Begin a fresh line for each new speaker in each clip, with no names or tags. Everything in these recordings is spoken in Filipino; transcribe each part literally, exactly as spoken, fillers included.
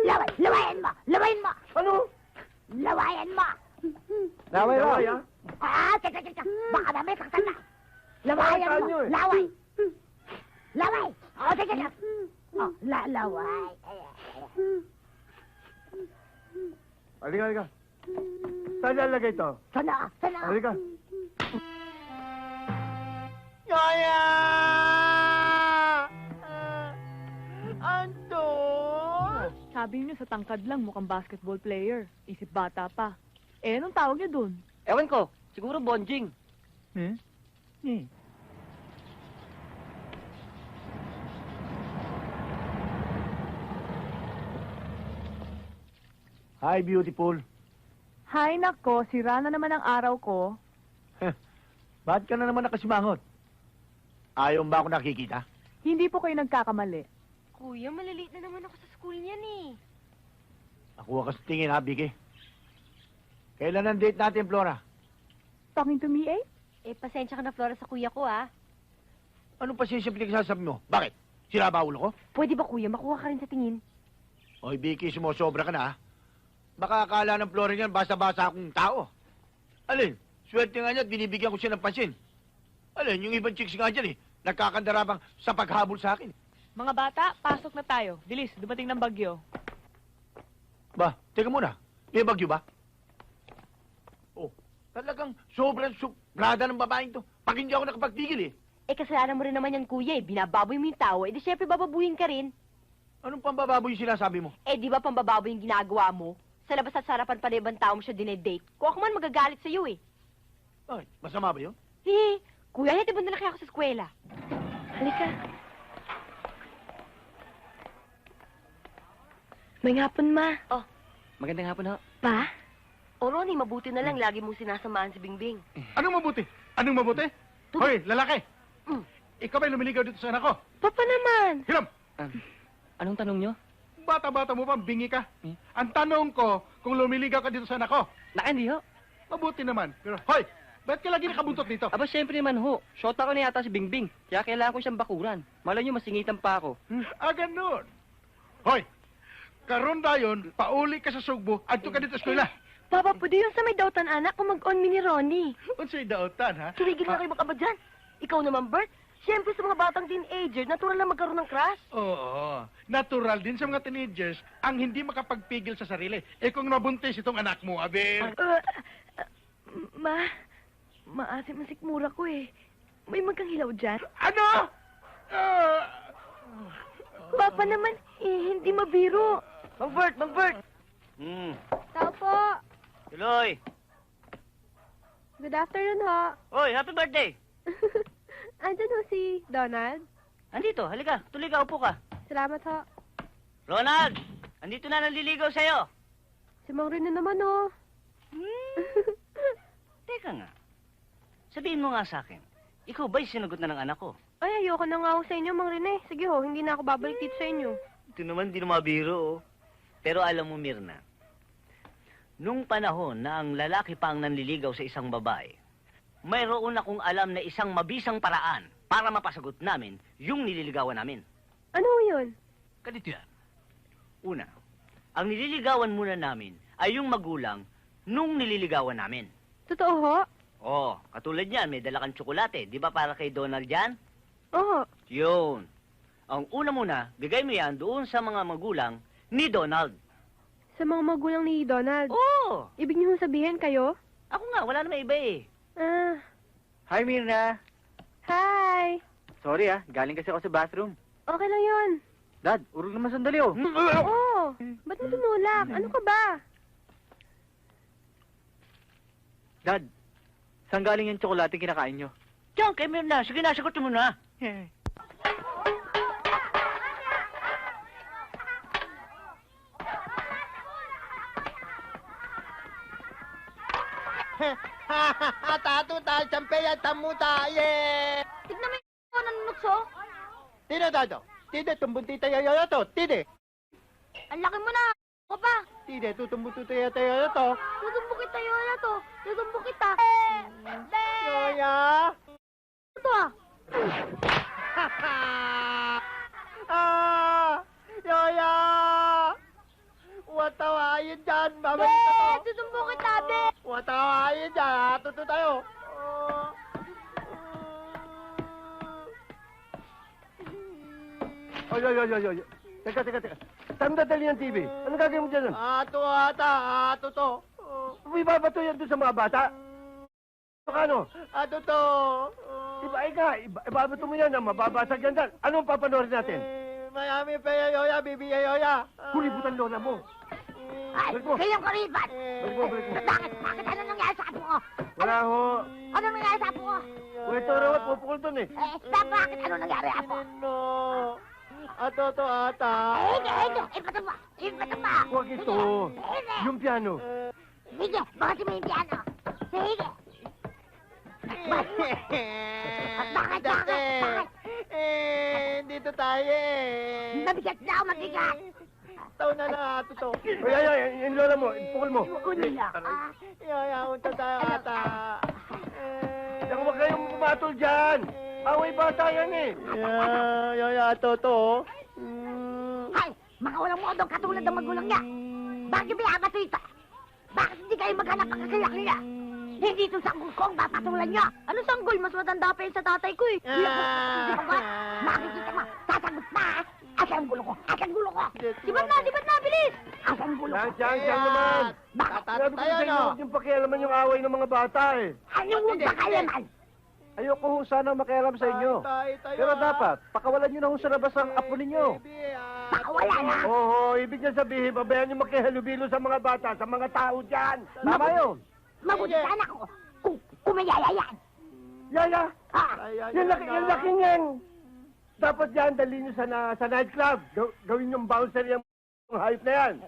Laway! Lawayan mo! Lawayan mo!
Ano?
Lawayan mo!
Laway, laway, ha?
Ah, teka, teka! Baka mamaya saktan na! Lawayan
Saktan
mo!
nyo eh.
Laway! Laway! Oh, teka, teka! Oh, la laway!
Halika, halika. Saan lalagay ito?
Sana! Sana!
Halika.
Yaya! Antos!
Sabi niyo sa tangkad lang mukhang basketball player. Isip bata pa. Eh, anong tawag niyo dun?
Ewan ko, siguro bonjing.
Hmm? Hmm. Hi, beautiful.
Hay nako, sira na naman ang araw ko.
Bakit ka na naman nakasimangot? Ayaw ba ako nakikita?
Hindi po kayo nagkakamali.
Kuya, maliliit na naman ako sa school niyan eh.
Nakuha ka sa tingin, ha, Vicky? Kailan ang date natin, Flora?
Talking to me, eh?
Eh, pasensya ka na, Flora, sa kuya ko ah.
Anong pasensya pinagsasabi mo? Bakit? Sira ba ulo ko?
Pwede ba kuya, makuha ka rin sa tingin?
Oy, Vicky, sumosobra ka na, ha? Baka akala ng Flora niyan, basta-basta akong tao. Alin, swerte nga niya at binibigyan ko siya ng pansin. Alin, yung ibang chicks nga dyan, eh, nagkakandarabang sa paghabol sa akin.
Mga bata, pasok na tayo. Bilis, dumating ng bagyo.
Ba, teka muna. May bagyo ba? Oh, talagang sobrang subrada ng babaeng to. Pag hindi ako nakapagtigil, eh.
Eh, kasalanan mo rin naman yan, kuya eh. Binababoy mo yung tao, eh di syempre bababuhin ka rin.
Anong pambababoy yung sinasabi mo?
Eh, di ba pambababoy yung ginagawa mo? Sa labas at sarapan pa na ibang tao mo siya dinedate. Kung ako man magagalit sa'yo eh.
Ay, masama ba yun?
Eh, kuya, hatid mo na lang kaya ako sa eskwela. Halika. May hapon, ma. Oh,
Magandang hapon, ho.
pa? O, Ronnie, mabuti na lang. Lagi mong sinasamahan si Bingbing.
Anong mabuti? Anong mabuti? Hoy, lalaki!
Mm.
Ikaw ba'y lumiligaw dito sa anak ko?
Papa naman.
Hiram!
Um, anong tanong nyo?
Bata-bata mo pa, bingi ka.
Hmm?
Ang tanong ko, kung lumiligaw ka dito sa anak ko,
Naka, hindi, ho.
mabuti naman. Pero, hoy! Ba't ka lagi nakabuntot dito?
Aba, syempre naman, ho. Shota ko na yata si Bingbing. Kaya kailangan ko siyang bakuran. Malay nyo, masingitan pa ako. Hmm?
Ah, ganun. Hoy! Karon dayon, pauli ka sa sugbo, adto ka dito sa eskwela.
Papa, pwede yun sa may dautan anak kung mag-on mi ni Ronnie.
Unsay daotan, ha?
Tumigil na kayo makaba dyan. Ikaw naman, Bert. Siyempre sa mga batang teenager, natural na magkaroon ng crush.
Oo. Natural din sa mga teenagers ang hindi makapagpigil sa sarili. Eh kung nabuntis itong anak mo, abe...
Uh, uh, ma, maasim ang sikmura ko eh. May magkang hilaw dyan.
Ano? Ah...
Papa naman, eh, hindi mabiro.
Mang Bert, Mang Bert!
Hmm.
Tao po.
Tuloy.
Good afternoon, ho.
Hoy, happy birthday.
Andyan ho si Donald.
Andito, halika. Tuloy ka, upo ka.
Salamat, ho.
Ronald, andito na naliligaw sa'yo.
Si Mang Rino naman, ho.
Teka nga. Sabihin mo nga sa akin, ikaw ba'y sinagot na ng anak ko?
Ay, ayoko na nga ho sa inyo, Mang Rene. Sige ho, hindi na ako babalik dito sa inyo.
Ito naman, di na mabiro, oh. Pero alam mo, Mirna, nung panahon na ang lalaki pa ang nanliligaw sa isang babae, mayroon akong alam na isang mabisang paraan para mapasagot namin yung nililigawan namin.
Ano ho yun?
Ganito yan. Una, ang nililigawan muna namin ay yung magulang nung nililigawan namin.
Totoo ho?
Oh, katulad niyan, may dala kang tsokolate. Di ba para kay Donald yan?
Oo.
Yun. Ang una muna, bigay mo yan doon sa mga magulang ni Donald.
Sa mga magulang ni Donald.
Oh!
Ibig niyo sabihin kayo?
Ako nga, wala naman iba eh.
Ah,
Hi, Mirna.
hi.
Sorry, ah. Galing kasi ako sa bathroom.
Okay lang yun.
Dad, urog naman sandali, oh.
Oo. Ba't mo tumulak? Ano ka ba?
Dad, saan galing yung tsokolate kinakain nyo?
Diyan, kay Mirna. Sige na, sagot mo na.
Tato tayo, champeya, tamuta, yeah!
Tignan mo yung nanunukso.
Tide, Dado. Tide, tumbunti tayo yoyo to. Tide.
Ang laki mo na. Ako pa.
Tide, tutumbunti tayo tayo to.
Tutumbo kita yun na to. Tutumbo kita.
Yoya!
Ito ah.
Ah! Yoya!
yan. Mamalita to.
Eh, susumbong kita, be.
Watawain dyan, ha? Tuto tayo.
Oy, oy, oy, oy, oy. Teka, teka, teka. Saan dadali ng T V? Ano gagawin mo dyan?
Ato ata, ato to.
May babato yan doon sa mga bata. Ano?
Ato to.
Iba, ika, iba, ibabato mo yan, ah, mababasag yan dyan. Ano ang papanoorin natin?
Eh, Mayami pa yoya, bibi yoya.
Kulibutan lola mo.
Ay,
Balik mo.
kayong karibat.
Balik mo, balik mo.
Bakit? Bakit? Ano nangyari sa apo ko?
Wala ho.
Ano nangyari sa apo ko?
Uy, ito rawat, pupukul doon eh.
Eh, ba, bakit? Ano nangyari, apo?
Nino. Ato to ata.
Eh, hindi, hindi. Ipatong mo. Ipatong mo.
Huwag ito.
Sige.
Yung piano.
Sige, bakit mo yung piano? Sige. Bakit? Bakit? Bakit? Bakit?
Eh, dito tayo eh.
Mabigat na ako, mabigat.
Taw na lang ato to.
Uy, ay, ay, yung lola mo, pukul mo.
Kunin lang. Ah,
Yoya, unta tayo ata.
Saka huwag kayong pumatol dyan. Away bata yan eh.
Yeah, yoya, ato to. Mm.
Ay, mga walang modo katulad ng magulang niya. Bakit binabato ito? Bakit hindi kayo maghanap ang kakayak nila? Hindi ito sanggol ko ang papatulan niyo. Ano sanggol? Mas matanda pa yun sa tatay ko eh. Di ba ba? Makikita mo, sasagot na. Asan ang gulo ko? Asan ang gulo ko? Dibat na, dibat na, bilis! Asan ang gulo ko?
Yan, yan, yan naman.
Bakit?
Tatat
Sabi ko
tayo,
sa inyo,
no?
huwag yung pakialaman yung away ng mga bata eh.
Anong huwag ba kayo man?
Ayoko ho sana makialam sa inyo.
Tayo, tayo,
Pero
ah.
dapat, pakawalan nyo na ho sa labas ang apo ninyo.
Baby, ah.
Baka wala na.
Oo, ibig niya sabihin, babayan niyo makihalubilo sa mga bata, sa mga tao dyan.
Tama yun.
Mabuti sana ko kung kumayaya yan.
Yaya,
Ah,
Ay, ay,
yung
ay,
laki,
ay,
yung
ah.
laki niyan. Dapat yan, dali niyo sa, na, sa nightclub. Gaw, gawin yung bouncer yung hype na yan.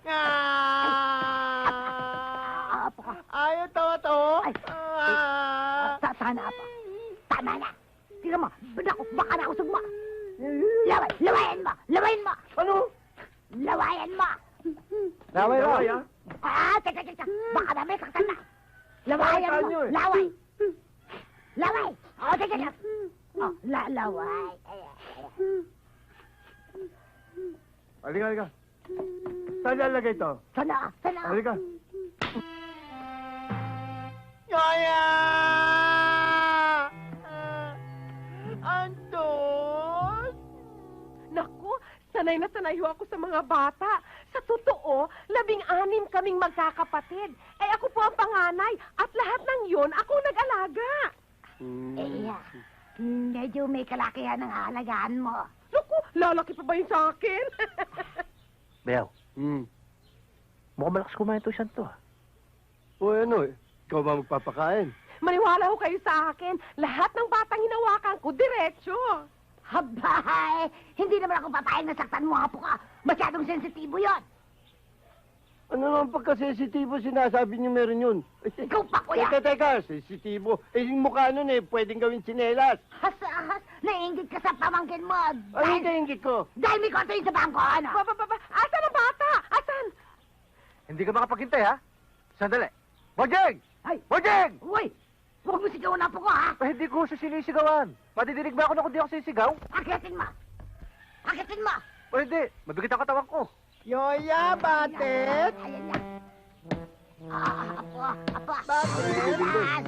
Ah!
apo ka.
Ayaw to, to.
Ay.
Ah!
Ta- Sana apo. Tama na. Tingnan mo, naku, baka nausog mo. Laway, lawayan mo, lawayan mo.
Ano?
Lawayan mo.
Laway
Laway,
lang.
Ah, teka, teka, baka na may saktan na. Lawayan
Saktan
mo,
nyo eh.
laway. Laway. Oh, teka, teka. Oh, la laway. Ayan, ayan.
Halika, halika. Saan lalagay ito?
Sana, sana.
Halika.
Yoya! Ah, Anton!
Naku, sanay na sanay ho ako sa mga bata. Sa totoo, labing-anim kaming magkakapatid. Eh ako po ang panganay at lahat ng yun ako nag-alaga.
Eh, yeah. Medyo may kalakihan ng halagaan mo.
Naku, lalaki pa ba yun sa akin?
Beo,
Hmm.
mukhang malakas kumain to siya to. ah.
O ano eh, ikaw ba magpapakain?
Maniwala ho kayo sa akin. Lahat ng batang hinawakan ko, diretsyo.
Habay! Hindi naman ako papayag na saktan mo, apo ka. Masyadong sensitibo yon.
Ano naman pagka-sensitibo sinasabi niyo meron yun?
Ikaw pa, kuya.
Teka, teka, sensitibo. Eh, yung mukha nun eh, pwedeng gawin tsinelas.
Has-has, naiingit ka sa pamangkin mo.
Ano
Dahil,
yung kaingit ko?
dahil may konto yun sa bangko, ano?
Ba, ba, ba, ba, asan ang bata? Asan?
Hindi ka makapaghintay, ha? Sandali. Bojeng!
Ay,
Bojeng!
uy! Huwag mo sigawan na po ko, ha?
Eh, hindi ko sa sinisigawan. Madidinig ba ako na kung di ako sisigaw?
Akitin mo. Akitin mo.
O hindi, mabigat ang katawan ko.
Yoya, batet!
Ayan na. Ah, apo, apo.
Bakit?
Ayan.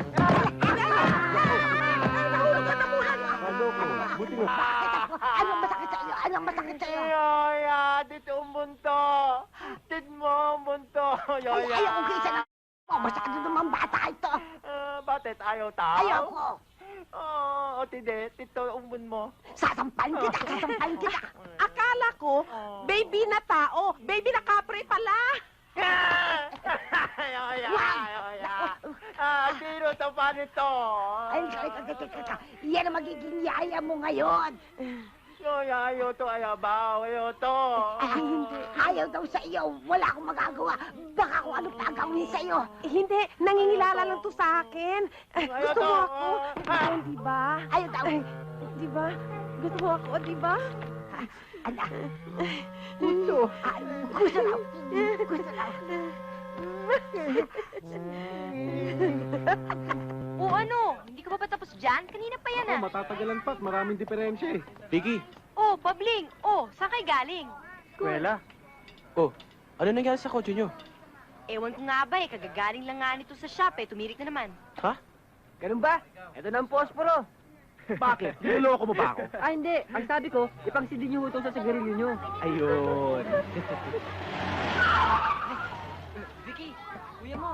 Ano ko? Buti nga.
Bakit ako? Anong masakit sa iyo? Anong masakit sa iyo?
Yoya, dito ang bunto. Tit mo ang bunto,
Ay,
Yoya.
ayaw ko kaysa na. Oh, masyado naman bata ito.
Ah, batet, ayaw tao?
Ayaw ko.
Oo, oh, tide, tito, umbun mo.
Sasampain kita, sasampain kita.
Akala ko, baby na tao. Baby na kapre pala.
Yoya,
Wag!
yoya. Ah, sino to pa nito?
Ay, teka, teka, teka. Yan ang magiging yaya mo ngayon.
Yoya, ayaw to, ayaw ba? Ayaw to.
Ah, ayaw daw sa iyo. Wala akong magagawa. Baka kung ano pa ang gawin sa iyo.
Eh, hindi, nangingilala lang to sa akin. Eh,
Ayaw
gusto mo
to.
ako? Ikaw, di ba?
Ayaw daw.
Ay, di ba? Gusto mo ako, di ba?
Anak. Gusto. Ah, gusto daw. Gusto daw.
O ano? Hindi ka pa ba tapos dyan? Kanina pa yan ah.
Matatagalan pa, maraming diferensya eh.
Vicky,
Oh, Pabling. Oh, saan kayo galing?
Kuwela. Oh, ano nangyari sa kotse nyo?
Ewan ko nga ba eh, kagagaling lang nga nito sa shop eh, tumirik na naman.
Ha? Ganun ba? Ito na ang posporo.
Bakit? Niloloko mo ba ako?
Ah, hindi. Ang sabi ko, ipangsidin niyo ito sa sigarilyo niyo.
Ayun.
Vicky, kuya mo.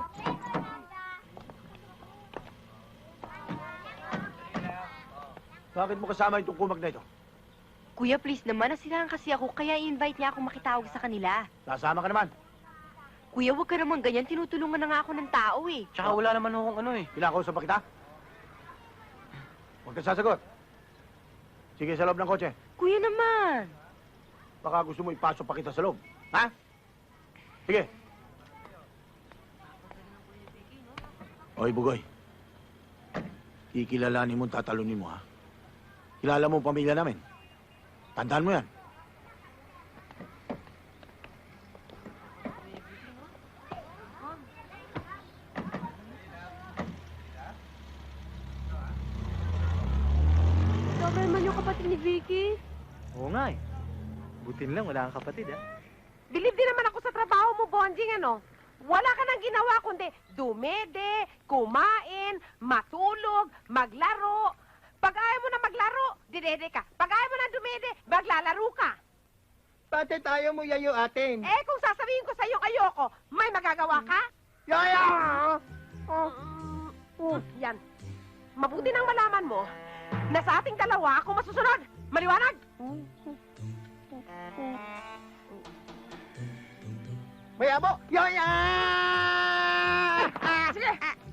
Bakit mo kasama itong kumag na ito?
Kuya, please naman, nasilahan kasi ako, kaya i-invite niya akong makitawag sa kanila.
Sasama ka naman.
Kuya, huwag ka naman ganyan, tinutulungan na nga ako ng tao eh.
Tsaka wala naman akong ano eh.
Kinakausap pa kita? Huwag ka sasagot. Sige, sa loob ng kotse.
Kuya naman.
Baka gusto mo ipasok pa kita sa loob. Ha? Sige. Oy, Bugoy. Kikilalanin mo, tatalunin mo, ha? Kilala mo ang pamilya namin. Tandaan mo yan.
Sobra naman yung kapatid ni Vicky.
Oo nga eh. Butin lang, wala kang kapatid ah.
Bilib din naman ako sa trabaho mo, Bonjing, ano? Wala ka nang ginawa kundi dumede, kumain, matulog, maglaro. Pag ayaw mo na maglaro, didede ka. Pag ayaw mo na dumede, maglalaro ka.
Pati tayo mo yayo atin.
Eh, kung sasabihin ko sa'yo ayoko, may magagawa ka?
Yaya!
Oh, oh, yan. Mabuti nang malaman mo na sa ating dalawa ako masusunod. Maliwanag?
May abo! Yaya!
Sige!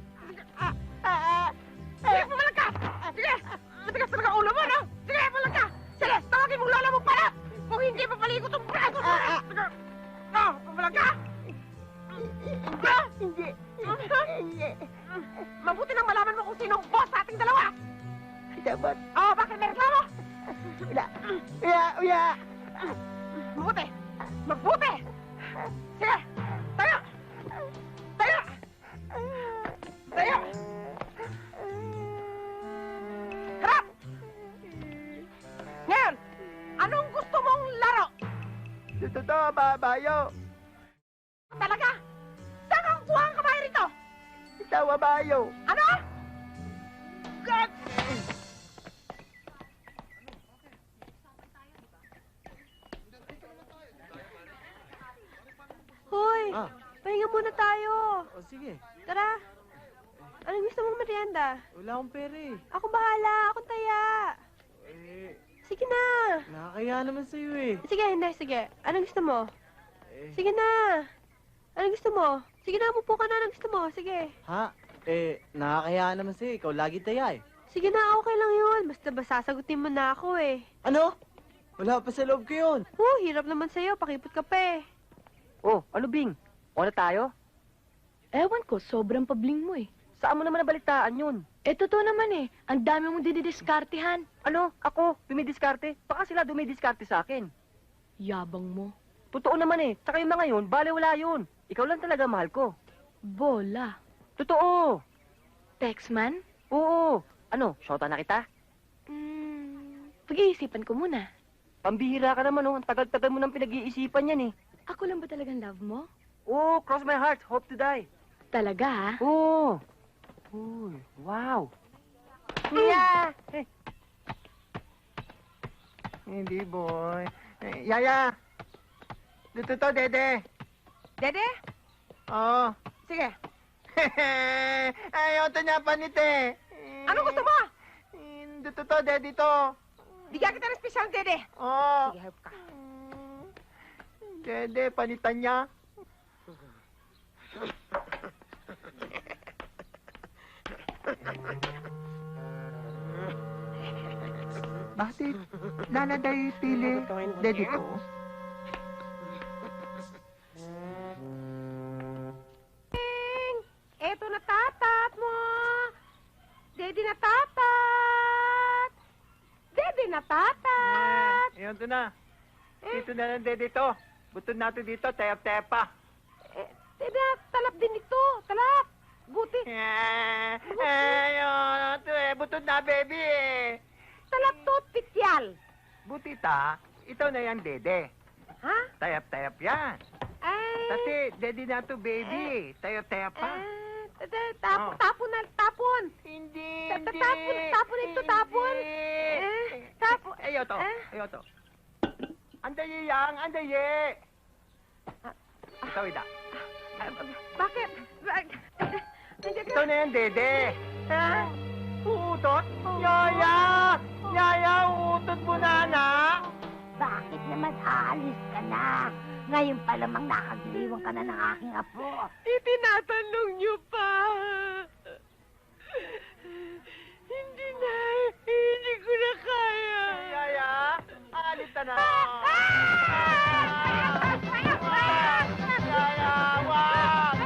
Sige, pumalag ka! Sige! Matigas talaga ulo mo, no? Sige, pumalag ka! Sige, tawagin mong lola mo para! Kung hindi papaliko itong braso mo! Sige! No, pumalag ka! Ha? Hindi. Hindi. Mabuti nang malaman mo kung sino ang boss sa ating dalawa!
Dapat.
Oh, bakit may reklamo?
Uya! Uya! Uya!
Mabuti! Mabuti! Sige! Tayo! Tayo! Tayo! Harap! Ngayon, anong gusto mong laro?
Totoo, babayo.
Talaga? Saan kang kuha ang kamay rito?
Ikaw, babayo.
Ano? God!
Hoy,
Ah.
pahinga muna tayo.
O sige,
Tara. Anong gusto mong merienda?
wala akong pera eh.
Ako bahala, akong taya.
Eh,
Sige na.
nakakaya naman sa'yo eh.
Sige, hindi, sige. Anong gusto mo?
Eh,
Sige na. Anong gusto mo? Sige na, umupo ka na. Anong gusto mo? Sige.
ha? Eh, nakakaya naman sa'yo. Ikaw lagi taya eh.
Sige na, okay lang yun. Basta ba sasagutin mo na ako eh.
Ano? Wala pa sa loob ko yun.
Oh, hirap naman sa'yo. Pakipot ka pa eh.
Oh, ano Bing? O na tayo?
Ewan ko, sobrang pabling mo eh.
Saan mo naman nabalitaan yun?
Eh, totoo naman eh. Ang dami mong dididiskartehan.
Ano? Ako? Dumidiskarte? Baka sila dumidiskarte sa akin.
Yabang mo.
Totoo naman eh. Tsaka yung mga yun, bale wala yun. Ikaw lang talaga mahal ko.
Bola.
Totoo.
Texman?
Oo. Ano, shota na kita?
Hmm, pag-iisipan ko muna.
Pambihira ka naman oh. Ang tagal-tagal mo nang pinag-iisipan yan eh.
Ako lang ba talagang love mo?
Oo, cross my heart. Hope to die.
Talaga ha?
Oo. Uy, wow. Yeah. Eh,
Hindi, boy. Eh, Yaya! Dito to, Dede.
Dede?
Oo.
Sige.
Ayaw to niya panite.
Ano gusto mo?
Dito to, Dede to.
Bigyan kita ng special, Dede.
Oo.
Sige, help ka.
Dede, panitan niya. Bakit? Nanaday pili. Dede ko.
Eto na tatat mo. Dede na tatat. Dede na tatat.
Ayan to na. Dito na lang, Dede to. Butod natin dito, tayap-tepa.
Eh, Dede, talap din ito. Talap. Buti.
Eh, ayun, ito eh, butod na, baby eh.
Talap to, pityal.
Buti ta, ito na yan, Dede.
Ha?
Tayap-tayap yan.
Ay.
Tati, daddy na to, baby. Tayo-tayo pa.
Ah, ta- tapon, tapon na, tapon.
Hindi,
Ta- ta- Tapon, tapon ito, tapon. Eh, tapon.
Ayaw to,
Eh?
ayaw to. Andaye yang, andaye. Ikaw, ida.
Ah, bakit? Bak- Nandiyan ka?
Ito na yan, dede.
Ha?
Uutot? Yaya! Yaya, uutot mo na, anak.
Bakit naman aalis ka na? Ngayon pa lamang nakagiliwan ka na ng aking apo.
Itinatanong niyo pa. Hindi na, hindi ko na kaya.
Yaya, alit na na. Yaya, wag!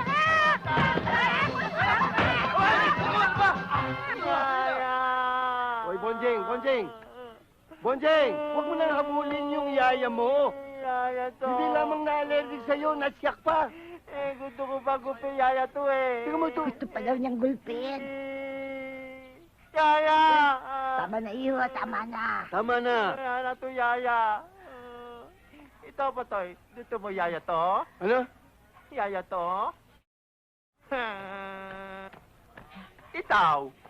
Yaya!
Hoy, Bonjing, Bonjing! Bonjing, huwag mo nang habulin yung yaya mo.
Yaya to.
Hindi lamang na-allergic sa'yo, nasyak pa.
Eh, gusto ko pa gupin yaya to eh.
Tingnan mo ito.
Gusto pa daw niyang gulpin.
Yaya!
Tama na iyo, tama na.
Tama na.
Yaya to, yaya. Ito ba to? Gusto mo yaya to?
Ano?
Yaya to? Itaw.